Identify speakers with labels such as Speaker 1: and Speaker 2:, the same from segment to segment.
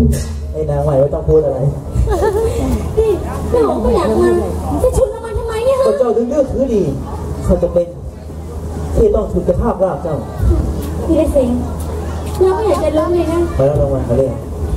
Speaker 1: ไอ้นางใหม่ไม่ต้องพูดอะไร
Speaker 2: นี่แม่หงก็อยากมาจะชุนละมันทำไมเนี่ยฮะ
Speaker 1: เจ้าดึงเลือกคือดีเขาจะเป็นที่ต้องชุนกระทาบราบเจ้า
Speaker 2: พี่ได้สิงเราไม่อยากจะล้มเลยนะ
Speaker 1: ไปแล้วรางวัลเขาเรียก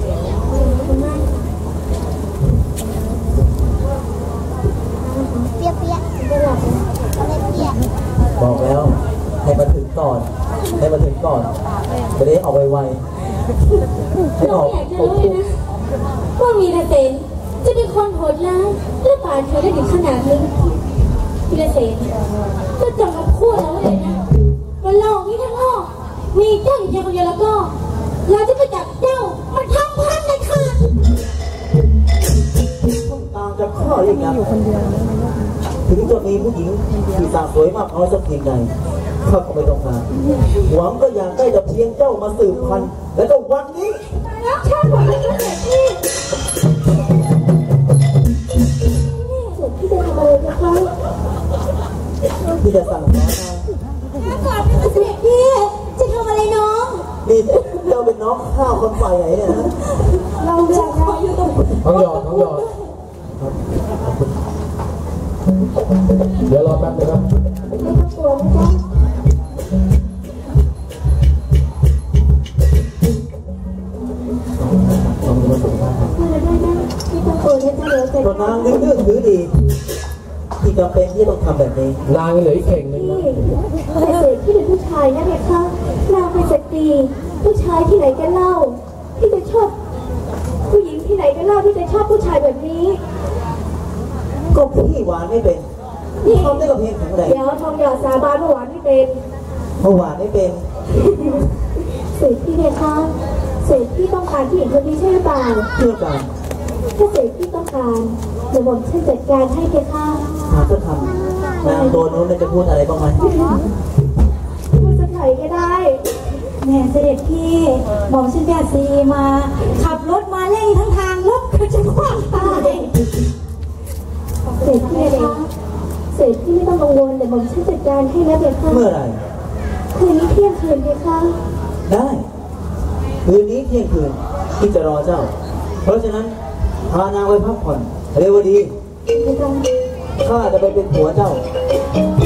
Speaker 2: เปียกจะหลับ
Speaker 1: บอกแล้วให้มาถึงก่อนจะได้ออกไวๆให้ออก
Speaker 2: อยากจะรู้เลยนะว่ามีนาเซนจะเป็นคนโหดร้ายและป่าเธอได้ถึงขนาดนี้พี่นาเซนก็จงมาพูดแล้วเลยนะว่าโลกนี้ทั้งโลกมีเจ้าอยู่เพียงคนเดียวแล้วก็เราจะไปจับเจ้ามาทำพันในคืน
Speaker 1: ต้องตามจะข้อยังไงถึงจะมีผู้หญิงที่สาวสวยมากน้อยสักเพียงใดข้าก็ไม่ต้องการหวังก็อยากได้แต่เพียงเจ้ามาสืบพันธุ์และก็วันนี้
Speaker 2: แล้วชาติหวังจะเสร็จที่จะทำอะไรนะคะ
Speaker 1: พี่จะสั่งน้อง
Speaker 2: มาก่อนเป็นเสด็จพี่จะทำอะไรน้อง
Speaker 1: นี่เจ้าเป็นน้องข้าวคนฝ่ายไหนเนี่ยนะ
Speaker 2: เราอยากอยู่ตรง
Speaker 3: ท้องหยอดเดี๋ยวรอแป๊บนึงครับ
Speaker 2: ไม่ต้องกลัวนะจ๊ะ
Speaker 1: ตัวนางนึกถือดีที่จำเป็นที่ต้องทำแบบนี้
Speaker 3: นางเหลือเข่งนึงนะ
Speaker 2: แต่เสกที่เป็นผู้ชายนะเนี่ยค่ะนางเป็นสตรีผู้ชายที่ไหนกันเล่าที่จะชอบผู้หญิงที่ไหนกันเล่าที่จะชอบผู้ชายแบบนี้
Speaker 1: ก็พี่หวานไม่เป็นชอบได้กับเพียงแข็งแรง
Speaker 2: เดี๋ยวทองหยอดสาบานหวานไม่เป็น
Speaker 1: หวานไม่เป็น
Speaker 2: เสกที่เนี่ยค่ะเสกที่ต้องการผู้หญิงคนนี้ใช่หรือเปล่า
Speaker 1: เชื่อกัน
Speaker 2: ถ้าเสกที่ต้องการเดี๋ยวผมช่วยจัดการให้แกค่ะ
Speaker 1: หาจะทำนางตัวนู้นจะพูดอะไรบ้างไหม
Speaker 2: พูดจะไถ่ก็ได้แม่เสด็จพี่บอกฉันแกซีมาขับรถมาเร่งทั้งทางรถก็จะคว้างตายเสกพี่เลยเสกพี่ไม่ต้องกังวลเดี๋ยวผมช่วยจัดการให้นะเด็กค่ะ
Speaker 1: เมื่อไหร่
Speaker 2: คืนนี้เที่ยงคืนเด็กค่ะ
Speaker 1: ได้คืนนี้เที่ยงคืนที่จะรอเจ้าเพราะฉะนั้นพานางไปพักผ่อนเร็วดีข้าจะไปเป็นผัวเจ้า